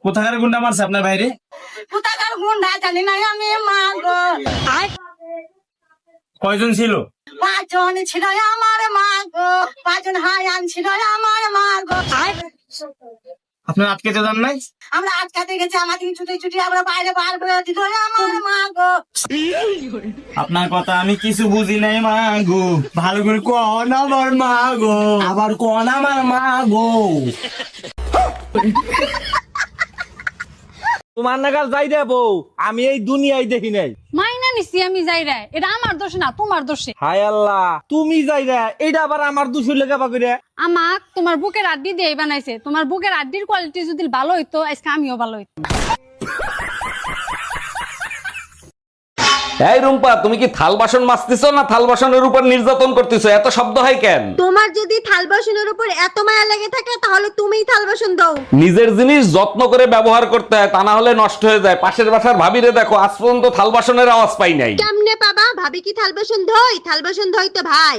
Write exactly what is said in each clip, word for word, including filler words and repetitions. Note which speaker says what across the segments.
Speaker 1: কোথাকার গুন্ডা মারছে আপনার বাইরে?
Speaker 2: কোথাকার গুন্ডা জানি না আমি, মা গো।
Speaker 1: কয়জন ছিল?
Speaker 2: পাঁচজন ছিল আমার, মা গো। পাঁচজন হায়ান ছিল আমার, মা গো।
Speaker 1: আপনার আটকেতে যান নাই?
Speaker 2: আমরা আটকাতে গেছি, আমাদের ছুটি ছুটি আমরা বাইরে বার করে দিল আমার, মা গো।
Speaker 1: আপনার কথা আমি কিছু বুঝি নাই মা গো, ভালো করে কোন আমার মা গো, আবার কোন আমার মা গো।
Speaker 3: তোমার নাগাল যাই রে বউ, আমি এই দুনিয়ায় দেখি নাই।
Speaker 4: মাইনা নিছি আমি যাই রে, এটা আমার দোষ না তোমার দোষে।
Speaker 3: হায় আল্লাহ, তুমি যাই রে, এটা আবার আমার দুশো লেখা পাকড়ে।
Speaker 4: আমাক তোমার বুকের আড্ডি দিয়ে বানাইছে, তোমার বুকের আড্ডির কোয়ালিটি যদি ভালো হইতো আজকে আমিও ভালো হইতো।
Speaker 5: এই রুম্পা, তুমি কি থাল বাসন মাজতেছো না থাল বাসনের উপর নির্যাতন করতেছো? এত শব্দ হয় কেন?
Speaker 6: তোমার যদি থাল বাসনের উপর এত মায়া লেগে থাকে তাহলে তুমিই থাল বাসন দাও।
Speaker 5: নিজের জিনিস যত্ন করে ব্যবহার করতে হয়, তা না হলে নষ্ট হয়ে যায়। পাশের বাসার ভাবিরে দেখো, আজ পর্যন্ত থাল বাসনের আওয়াজ পাই নাই।
Speaker 6: কেমনে পাবা? ভাবি কি থাল বাসন ধোয়? থাল বাসন ধোয় তো ভাই।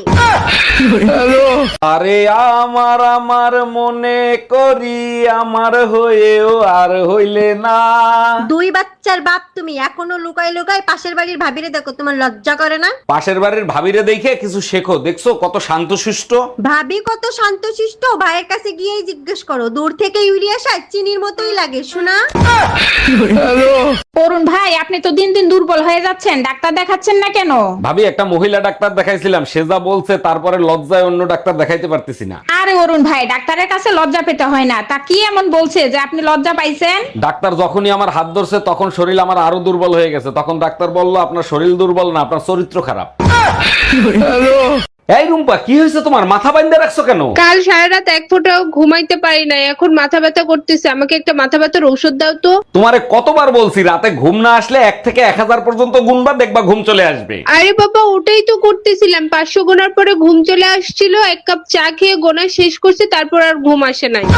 Speaker 5: আরে আমার আমার মনে করি আমার হয়েও আর হইলে না।
Speaker 6: দুই বাচ্চার বাপ তুমি, এখনো লুকাই লুকাই পাশের বাড়ির ভাবিরে দেখো, তোমার লজ্জা করে না?
Speaker 5: পাশের বাড়ির ভাবিরে দেখে কিছু শেখো। দেখছো কত শান্তশিষ্ট?
Speaker 6: ভাবি কত শান্তশিষ্ট, ভাইয়ের কাছে গিয়েই জিজ্ঞেস করো। দূর থেকে ইউরিয়া সার চিনির মতোই লাগে শোনা।
Speaker 7: অরুণ ভাই, আপনি তো দিন দিন দুর্বল হয়ে যাচ্ছেন, ডাক্তার দেখাচ্ছেন না কেন?
Speaker 5: ভাবি, একটা মহিলা ডাক্তার দেখাইছিলাম, সে যা বলছে তারপরে লজ্জায় অন্য ডাক্তার দেখাইতে পারতেছি না।
Speaker 7: আরে অরুণ ভাই, ডাক্তারের কাছে লজ্জা পেতে হয় না। তা কি এমন বলছে যে আপনি লজ্জা পাইছেন?
Speaker 5: ডাক্তার যখনই আমার হাত ধরছে তখন শরীর আমার আরো দুর্বল হয়ে গেছে। তখন ডাক্তার বলল, আপনার শরীর দুর্বল না, আপনার চরিত্র খারাপ। এই রুম্পা, কি হয়েছে তোমার? মাথা বাইন্ধে রাখছো কেন?
Speaker 8: কাল সারা রাত এক ফোঁটাও ঘুমাইতে পারি নাই, এখন মাথা ব্যথা করতেছে। আমাকে একটা মাথা ব্যথার ঔষধ দাও তো।
Speaker 5: তোমারে কতবার বলছি রাতে ঘুম না আসলে এক থেকে এক হাজার পর্যন্ত গুনবা, দেখবা ঘুম চলে আসবে।
Speaker 8: আরে বাবা, ওটাই তো করতেছিলাম। পাঁচশো গোনার পরে ঘুম চলে আসছিল, এক কাপ চা খেয়ে গোনা শেষ করছে, তারপর আর ঘুম আসে নাই।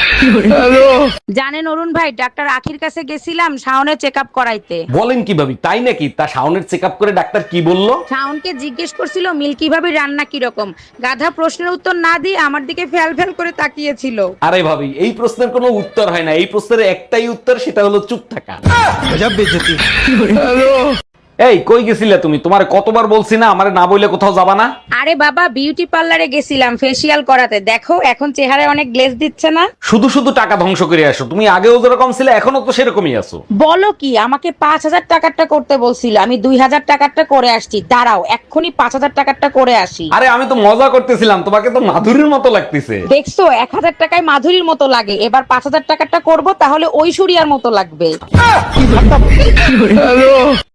Speaker 9: জানেন অরুণ ভাই, ডাক্তার আখির কাছে গেছিলাম শাওনের চেক আপ করাইতে।
Speaker 5: বলেন কি ভাবি, তাই নাকি? তা শাওনের চেক আপ করে ডাক্তার কি বললো?
Speaker 9: শাওনকে জিজ্ঞেস করছিল মিল্কি ভাবে রান্না কিরকম। গাধা প্রশ্নের উত্তর না দিয়ে আমার দিকে ফেল ফেল করে তাকিয়েছিল।
Speaker 5: আরে ভাবি, এই প্রশ্নের কোনো উত্তর হয় না। এই প্রশ্নের একটাই উত্তর, সেটা হলো চুপ থাকা। এই কই গেছিলে তুমি? তোমারে কতবার বলছি না আমারে না বইলে কোথাও যাবা না?
Speaker 9: আরে বাবা, বিউটি পার্লারে গেছিলাম ফেসিয়াল করাতে। দেখো এখন চেহারায় অনেক গ্লেজ দিচ্ছে না?
Speaker 5: শুধু শুধু টাকা ধ্বংস করে আসো। তুমি আগেও যেরকম ছিলে এখনো তো সেরকমই আছো।
Speaker 9: বলো কি, আমাকে পাঁচ হাজার টাকারটা করতে বলছিল, আমি দুই হাজার টাকারটা করে আসছি। দাঁড়াও এক্ষুনি পাঁচ হাজার টাকারটা করে আসি।
Speaker 5: আরে আমি তো মজা করতেছিলাম, তোমাকে তো মাধুরীর মতো লাগতেছে।
Speaker 9: দেখছো, এক হাজার টাকায় মাধুরীর মতো লাগে, এবার পাঁচ হাজার টাকারটা করবো, তাহলে ঐশ্বরিয়ার মতো লাগবে।